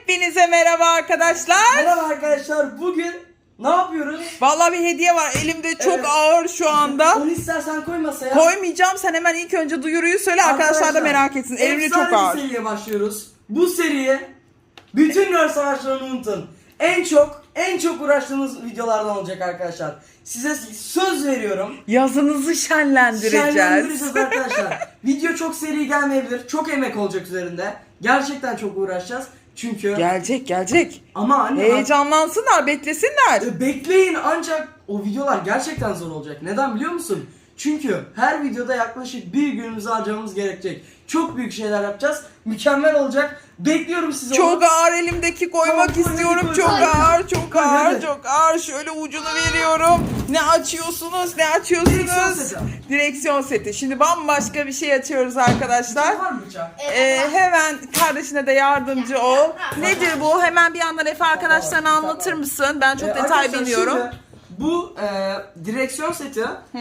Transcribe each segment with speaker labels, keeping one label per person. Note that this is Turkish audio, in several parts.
Speaker 1: Hepinize merhaba arkadaşlar.
Speaker 2: Merhaba arkadaşlar. Bugün ne yapıyoruz?
Speaker 1: Vallahi bir hediye var. Elimde çok
Speaker 2: Evet.
Speaker 1: ağır şu anda.
Speaker 2: Onu istersen koy masaya.
Speaker 1: Koymayacağım. Sen hemen ilk önce duyuruyu söyle. Arkadaşlar da merak etsin. Elimde çok ağır.
Speaker 2: Bir seriye başlıyoruz. Bu seriye bütün rol savaşlarını unutun. En çok uğraştığımız videolardan olacak arkadaşlar. Size söz veriyorum.
Speaker 1: Yazınızı şenlendireceğiz.
Speaker 2: Şenlendireceğiz arkadaşlar. Video çok seri gelmeyebilir. Çok emek olacak üzerinde. Gerçekten çok uğraşacağız. Çünkü
Speaker 1: Gelecek.
Speaker 2: ama anne
Speaker 1: Heyecanlansınlar, beklesinler.
Speaker 2: bekleyin, ancak o videolar gerçekten zor olacak. Neden biliyor musun? Çünkü her videoda yaklaşık bir günümüzü harcamamız gerekecek. Çok büyük şeyler yapacağız. Mükemmel olacak. Bekliyorum sizi.
Speaker 1: Çok ağır elimdeki koymak
Speaker 2: Tamam,
Speaker 1: istiyorum.
Speaker 2: koy.
Speaker 1: Çok ağır, çok
Speaker 2: Koy,
Speaker 1: ağır,
Speaker 2: hadi.
Speaker 1: çok ağır. Şöyle ucunu veriyorum. Ne açıyorsunuz?
Speaker 2: Direksiyon seti.
Speaker 1: Direksiyon seti. Şimdi bambaşka bir şey açıyoruz arkadaşlar.
Speaker 2: Var mı bıçak?
Speaker 1: Hemen kardeşine de yardımcı ol. Nedir bu? Hemen bir yandan Efe arkadaşlarına anlatır mısın? Ben çok detay
Speaker 2: Arkadaşlar,
Speaker 1: bilmiyorum.
Speaker 2: şimdi bu direksiyon seti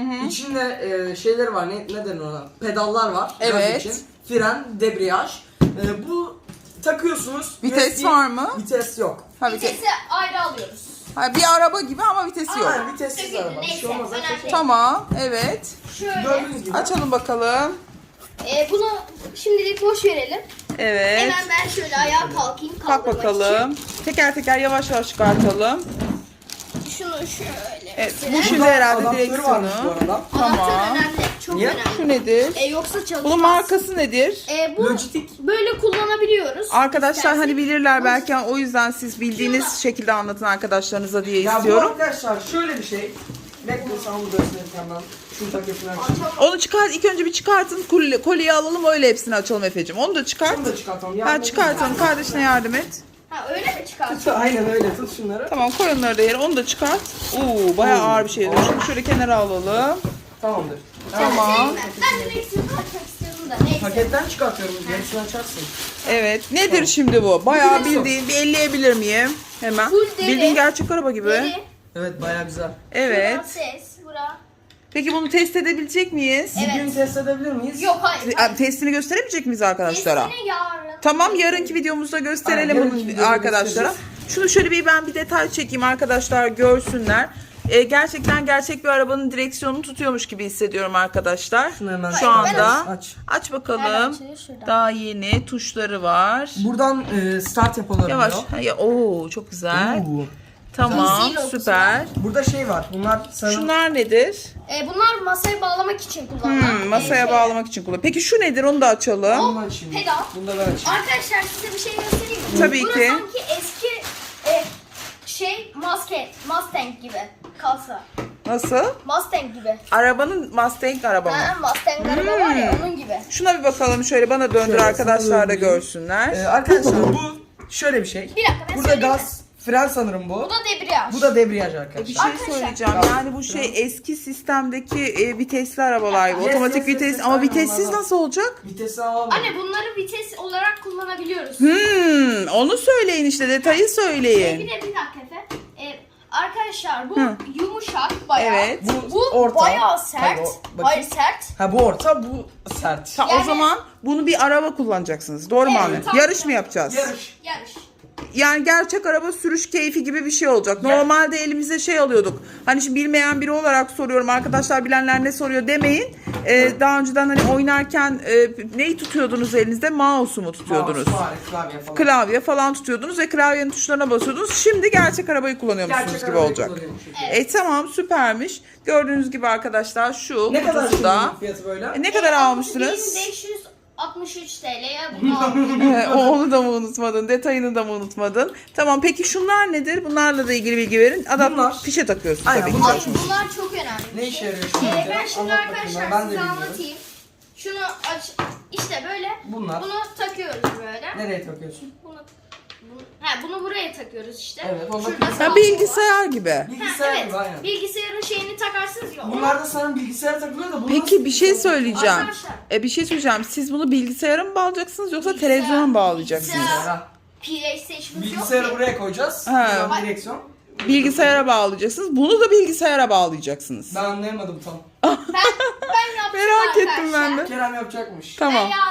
Speaker 2: içinde şeyleri var. Ne denir ona? Pedallar var. Gaz
Speaker 1: Evet.
Speaker 2: için. Fren, debriyaj. Bu takıyorsunuz.
Speaker 1: Vites
Speaker 2: USB
Speaker 1: var mı?
Speaker 2: Vites yok.
Speaker 1: Ha,
Speaker 3: Vitesi ayrı alıyoruz.
Speaker 1: Ha, bir araba gibi ama vitesi yok.
Speaker 2: Aynen, vitessiz
Speaker 3: Tabii,
Speaker 2: araba. Bir şey
Speaker 3: neyse,
Speaker 2: olmaz.
Speaker 3: önemli değil.
Speaker 1: Tamam, evet.
Speaker 3: Şöyle.
Speaker 2: Gördüğünüz gibi.
Speaker 1: Açalım bakalım.
Speaker 3: Bunu şimdilik boş verelim.
Speaker 1: Evet.
Speaker 3: Hemen ben şöyle ayağa kalkayım.
Speaker 1: Kalk
Speaker 3: kaldırmak
Speaker 1: bakalım. Teker teker yavaş yavaş çıkartalım.
Speaker 3: için. Şunu şöyle.
Speaker 1: Evet,
Speaker 3: mesela.
Speaker 1: bu şimdi herhalde
Speaker 2: Adaptörü varmış bu
Speaker 1: direksiyonu.
Speaker 2: arada.
Speaker 1: Tamam.
Speaker 3: Anahtar önemli. Çok
Speaker 2: Niye?
Speaker 3: önemli.
Speaker 1: Şu nedir?
Speaker 3: Yoksa çalışmaz.
Speaker 1: Bunun markası nedir?
Speaker 3: Bu
Speaker 2: Logitech.
Speaker 3: böyle kullanabiliyoruz.
Speaker 1: Arkadaşlar
Speaker 3: İstersek.
Speaker 1: hani bilirler belki, o yüzden siz bildiğiniz şekilde anlatın arkadaşlarınıza diye
Speaker 2: Ya bu
Speaker 1: istiyorum.
Speaker 2: arkadaşlar şöyle bir şey. Bekle, sana bu gösterirken ben şunu takıyorsun.
Speaker 1: Onu çıkart, ilk önce bir çıkartın, kolyeyi alalım, öyle hepsini açalım Efe'cim. Onu da çıkart.
Speaker 2: Şunu da çıkartalım.
Speaker 1: Ha, çıkartalım, kardeşine yardım et.
Speaker 3: Ha öyle mi çıkartıyor?
Speaker 2: Aynen öyle, tut şunları.
Speaker 1: Tamam, koy onları da yere, onu da çıkart. Bayağı ağır bir şey. Şunu şöyle kenara alalım.
Speaker 2: Tamamdır.
Speaker 1: Tamam.
Speaker 3: Ben direksiyonu açmak istiyordum da neyse.
Speaker 2: Paketten çıkartıyorum, gerisini açarsın.
Speaker 1: Evet, nedir şimdi bu? Bayağı bildiğin, bir elleyebilir miyim? Hemen.
Speaker 3: Full deri.
Speaker 1: Bildiğin gerçek araba gibi.
Speaker 3: Deri,
Speaker 2: Evet, bayağı güzel.
Speaker 1: Evet.
Speaker 3: bura ses, bura.
Speaker 1: Peki bunu test edebilecek miyiz?
Speaker 3: Evet.
Speaker 2: Bugün test edebilir miyiz?
Speaker 3: Yok hayır.
Speaker 1: Testini gösteremeyecek miyiz arkadaşlara?
Speaker 3: Testini yarın.
Speaker 1: Tamam, yarınki videomuzda gösterelim
Speaker 2: Aynen,
Speaker 1: bunu
Speaker 2: yarınki videoda
Speaker 1: arkadaşlara.
Speaker 2: gösteririz.
Speaker 1: Şunu şöyle bir detay çekeyim arkadaşlar, görsünler. Gerçekten gerçek bir arabanın direksiyonunu tutuyormuş gibi hissediyorum arkadaşlar.
Speaker 2: Şunu hemen
Speaker 1: Şu anda.
Speaker 2: aç.
Speaker 1: Aç
Speaker 3: Hemen
Speaker 1: bakalım.
Speaker 3: açılıyor şuradan.
Speaker 1: Daha yeni tuşları var.
Speaker 2: Buradan start yapılabiliyor.
Speaker 1: Yavaş. Oo, çok güzel.
Speaker 2: Oo.
Speaker 1: Tamam,
Speaker 3: Easy
Speaker 1: süper.
Speaker 2: Burada şey var. Bunlar sanırım...
Speaker 1: Şunlar nedir?
Speaker 3: Bunlar masaya bağlamak için kullanılan.
Speaker 1: Masaya bağlamak için kullan. Peki şu nedir? Onu da açalım.
Speaker 2: Bunu ben açayım.
Speaker 3: Pedal.
Speaker 2: Bunu da ben açayım.
Speaker 3: Arkadaşlar size bir şey göstereyim mi?
Speaker 1: Tabii
Speaker 3: Burası
Speaker 1: ki.
Speaker 3: sanki eski Mustang gibi kalsa.
Speaker 1: Nasıl?
Speaker 3: Mustang gibi.
Speaker 1: Arabanın Mustang araba mı?
Speaker 3: Mustang araba var ya onun gibi.
Speaker 1: Şuna bir bakalım, şöyle bana döndür,
Speaker 2: Şöyle,
Speaker 1: arkadaşlar da
Speaker 2: sana döndüreyim.
Speaker 1: görsünler.
Speaker 2: Arkadaşlar bu şöyle bir şey.
Speaker 3: Bir dakika ben
Speaker 2: Burada
Speaker 3: söyleyeyim
Speaker 2: gaz, fren sanırım bu.
Speaker 3: Bu da debriyaj.
Speaker 2: Bu da debriyaj
Speaker 1: Bir
Speaker 2: arkadaşlar.
Speaker 1: şey
Speaker 3: Arkadaşlar.
Speaker 1: söyleyeceğim. Yani bu şey eski sistemdeki vitesli arabalar gibi.
Speaker 2: Yes,
Speaker 1: Otomatik
Speaker 2: yes, yes,
Speaker 1: vites
Speaker 2: yes,
Speaker 1: ama
Speaker 2: aynen
Speaker 1: vitessiz
Speaker 2: onlardan.
Speaker 1: nasıl olacak?
Speaker 2: Vitesi alalım.
Speaker 3: Anne bunları vites olarak kullanabiliyoruz.
Speaker 1: Onu söyleyin işte, detayı
Speaker 3: Bir
Speaker 1: söyleyin.
Speaker 3: de bir dakika Efe. Arkadaşlar bu yumuşak bayağı.
Speaker 1: Evet.
Speaker 3: Bu
Speaker 2: orta.
Speaker 3: bayağı sert.
Speaker 2: Hayır, bakayım.
Speaker 3: Hayır sert.
Speaker 2: Ha, bu orta, bu sert.
Speaker 1: O
Speaker 3: Yani-
Speaker 1: zaman bunu bir araba kullanacaksınız. Doğru mu
Speaker 3: Evet,
Speaker 1: anne?
Speaker 3: tamam.
Speaker 1: Yarış mı yapacağız?
Speaker 2: Yarış.
Speaker 3: Yarış.
Speaker 1: Yani gerçek araba sürüş keyfi gibi bir şey olacak. Normalde elimize şey alıyorduk. Hani şimdi bilmeyen biri olarak soruyorum. Arkadaşlar bilenler ne soruyor demeyin. Daha önceden hani oynarken neyi tutuyordunuz elinizde? Mouse'u mu tutuyordunuz?
Speaker 2: Klavye falan.
Speaker 1: Klavye falan tutuyordunuz ve klavyenin tuşlarına basıyordunuz. Şimdi gerçek arabayı kullanıyormuşsunuz
Speaker 2: Gerçek
Speaker 1: gibi
Speaker 2: arabayı
Speaker 1: olacak.
Speaker 2: kullanıyormuş.
Speaker 1: Tamam, süpermiş. Gördüğünüz gibi arkadaşlar şu
Speaker 2: Ne kadar
Speaker 1: kutusu da.
Speaker 2: şimdi fiyatı böyle?
Speaker 1: Ne kadar almıştınız?
Speaker 3: 1563 TL'ye bunu aldım.
Speaker 1: Onu da mı unutmadın? Detayını da mı unutmadın? Tamam, peki şunlar nedir? Bunlarla da ilgili bilgi verin.
Speaker 2: Bunlar-
Speaker 1: Fişe takıyorsun
Speaker 2: Aynen,
Speaker 1: tabii ki.
Speaker 2: bunlar-
Speaker 3: Ay, bunlar çok önemli. bir
Speaker 2: Ne
Speaker 3: şey.
Speaker 2: işe yarıyor şimdi?
Speaker 3: Ben şimdi
Speaker 2: Anlat bakayım,
Speaker 3: arkadaşlar
Speaker 2: ben de
Speaker 3: size
Speaker 2: bilmiyorum.
Speaker 3: anlatayım. Şunu aç. İşte böyle.
Speaker 2: Bunlar.
Speaker 3: Bunu takıyoruz böyle.
Speaker 2: Nereye takıyorsun?
Speaker 3: Bunu buraya takıyoruz işte.
Speaker 2: Evet, onda
Speaker 3: Şurada
Speaker 2: bilgisayar-
Speaker 3: sağ-
Speaker 1: Bilgisayar gibi.
Speaker 2: Bilgisayar
Speaker 3: evet.
Speaker 2: gibi, aynen.
Speaker 3: Bilgisayarın şeyini takarsınız ya.
Speaker 2: Bunlar da sana bilgisayar takılıyor da bu
Speaker 1: Peki
Speaker 2: nasıl
Speaker 1: bir şey
Speaker 2: bilgisayar?
Speaker 1: söyleyeceğim.
Speaker 3: Arkadaşlar.
Speaker 1: Bir şey söyleyeceğim. Siz bunu bilgisayara mı bağlayacaksınız yoksa
Speaker 3: Bilgisayar-
Speaker 1: televizyona mı bağlayacaksınız?
Speaker 3: bilgisayar-
Speaker 2: Ha,
Speaker 3: PlayStation'ımız yok
Speaker 2: bilgisayarı
Speaker 3: ki.
Speaker 2: buraya koyacağız.
Speaker 1: Ha.
Speaker 2: Buradan direksiyon.
Speaker 1: Bilgisayara bağlayacaksınız. Bunu da bilgisayara bağlayacaksınız.
Speaker 2: Ben anlayamadım tam.
Speaker 3: Ben yaptım
Speaker 1: Merak ettim ben
Speaker 3: arkadaşlar.
Speaker 1: de.
Speaker 2: Kerem yapacakmış.
Speaker 1: Tamam.
Speaker 3: Ben yarın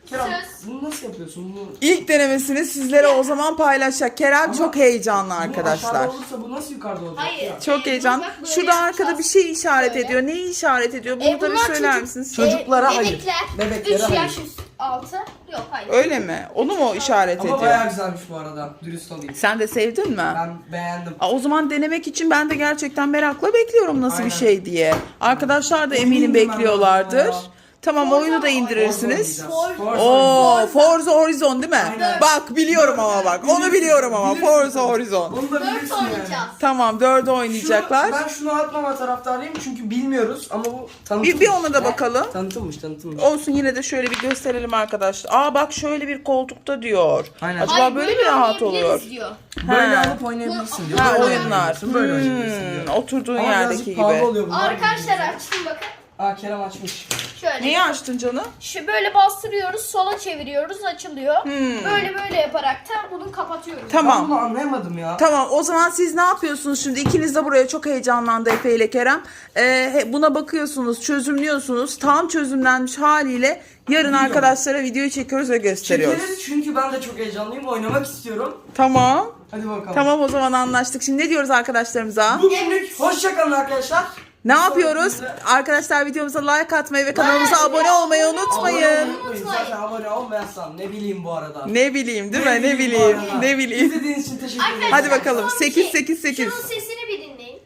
Speaker 2: Kerem
Speaker 3: Söz.
Speaker 2: bunu nasıl yapıyorsun? Bunu
Speaker 1: İlk denemesini sizlere o zaman paylaşacak. Kerem çok heyecanlı arkadaşlar.
Speaker 2: aşağıda olursa bu nasıl yukarıda olacak
Speaker 3: Hayır.
Speaker 2: ya?
Speaker 1: Çok heyecanlı.
Speaker 3: bak böyle
Speaker 1: Şurada arkada bir
Speaker 3: yapacağız.
Speaker 1: şey işaret
Speaker 3: Böyle.
Speaker 1: ediyor. Neyi işaret ediyor? Bunu da bir
Speaker 3: bunlar
Speaker 1: söyler
Speaker 3: çocuk-
Speaker 1: misiniz?
Speaker 2: Çocuklara hayır.
Speaker 3: Bebekler.
Speaker 2: Bebeklere
Speaker 3: 3
Speaker 2: hayır.
Speaker 3: yaş altı. Yok hayır.
Speaker 1: Öyle mi? Onu mu işaret
Speaker 2: Ama
Speaker 1: ediyor?
Speaker 2: bayağı güzelmiş bu arada. Dürüst olayım.
Speaker 1: Sen de sevdin mi?
Speaker 2: Ben beğendim.
Speaker 1: O zaman denemek için ben de gerçekten merakla bekliyorum nasıl
Speaker 2: Aynen.
Speaker 1: bir şey diye. Arkadaşlar da
Speaker 2: Oyunu
Speaker 1: eminim
Speaker 2: indirmem
Speaker 1: bekliyorlardır.
Speaker 2: lazım ya.
Speaker 1: Tamam
Speaker 3: Forza
Speaker 1: oyunu da
Speaker 3: mı?
Speaker 1: indirirsiniz.
Speaker 3: Forza.
Speaker 1: Oo Forza Horizon değil mi?
Speaker 2: Aynen.
Speaker 1: Bak biliyorum ama bak. Onu biliyorum ama
Speaker 2: Bilirsin.
Speaker 1: Forza Horizon.
Speaker 2: Onu da
Speaker 3: 4
Speaker 2: bilirsin yani.
Speaker 3: oynayacağız.
Speaker 1: Tamam 4'ü oynayacaklar.
Speaker 2: Ben şunu atmama taraftarıyım çünkü bilmiyoruz ama bu tanıtım.
Speaker 1: Bir ona da bakalım.
Speaker 2: Tanıtımmış.
Speaker 1: Olsun yine de şöyle bir gösterelim arkadaşlar. Aa bak şöyle bir koltukta diyor.
Speaker 2: Aynen.
Speaker 1: Acaba
Speaker 3: Hayır,
Speaker 1: böyle mi rahat
Speaker 3: oynayabiliriz
Speaker 1: oluyor?
Speaker 3: diyor.
Speaker 2: Böyle
Speaker 1: Ha.
Speaker 2: alıp oynayabilirsin diyor.
Speaker 1: Ha
Speaker 2: Böyle
Speaker 1: oyunlar.
Speaker 2: oynayabilirsin, böyle oynayabilirsin diyor.
Speaker 1: Oturduğun
Speaker 2: Ama
Speaker 1: yerdeki
Speaker 2: birazcık
Speaker 1: gibi.
Speaker 2: pahalı oluyor bunlar.
Speaker 3: Arkadaşlar açtım bakın.
Speaker 2: Aa Kerem açmış.
Speaker 3: Şöyle.
Speaker 1: Neyi açtın canım?
Speaker 3: Şu böyle bastırıyoruz, sola çeviriyoruz, açılıyor.
Speaker 1: Hmm.
Speaker 3: Böyle yaparak da bunu kapatıyoruz.
Speaker 2: Ben
Speaker 1: Tamam.
Speaker 2: bunu anlayamadım ya.
Speaker 1: Tamam o zaman siz ne yapıyorsunuz şimdi? İkiniz de buraya çok heyecanlandı Efe ile Kerem. Buna bakıyorsunuz, çözümlüyorsunuz. Tam çözümlenmiş haliyle yarın
Speaker 2: Video.
Speaker 1: arkadaşlara videoyu çekiyoruz ve gösteriyoruz.
Speaker 2: Çekeriz çünkü ben de çok heyecanlıyım. Oynamak istiyorum.
Speaker 1: Tamam.
Speaker 2: Hadi bakalım.
Speaker 1: Tamam o zaman anlaştık. Şimdi ne diyoruz arkadaşlarımıza?
Speaker 2: Bugünlük hoşçakalın arkadaşlar.
Speaker 1: Ne yapıyoruz? Arkadaşlar videomuza like atmayı ve kanalımıza abone olmayı unutmayın.
Speaker 2: Zaten abone olmayasam ne bileyim bu arada.
Speaker 1: Ne bileyim değil mi? Ne
Speaker 2: bu
Speaker 1: bileyim.
Speaker 2: arada.
Speaker 1: Ne bileyim.
Speaker 2: İzlediğiniz için teşekkür ederim.
Speaker 1: Hadi bakalım.
Speaker 3: Son bir
Speaker 1: 8,
Speaker 3: şey.
Speaker 1: 8, 8.
Speaker 3: Şunun sesini bir dinleyin.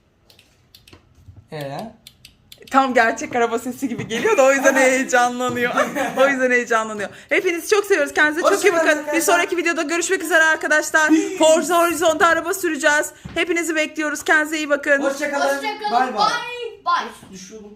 Speaker 1: Tam gerçek araba sesi gibi geliyor da o yüzden heyecanlanıyor. O yüzden heyecanlanıyor. Hepinizi çok seviyoruz. Kendinize çok iyi
Speaker 2: Hoşçakalın
Speaker 1: bakın. Bir
Speaker 2: arkadaşlar.
Speaker 1: sonraki videoda görüşmek üzere arkadaşlar. Forza Horizon'da araba süreceğiz. Hepinizi bekliyoruz. Kendinize iyi bakın.
Speaker 2: Hoşçakalın.
Speaker 3: Hoşçakalın.
Speaker 2: Bay bay.
Speaker 3: Bye. Bye.
Speaker 2: Düşüyordum.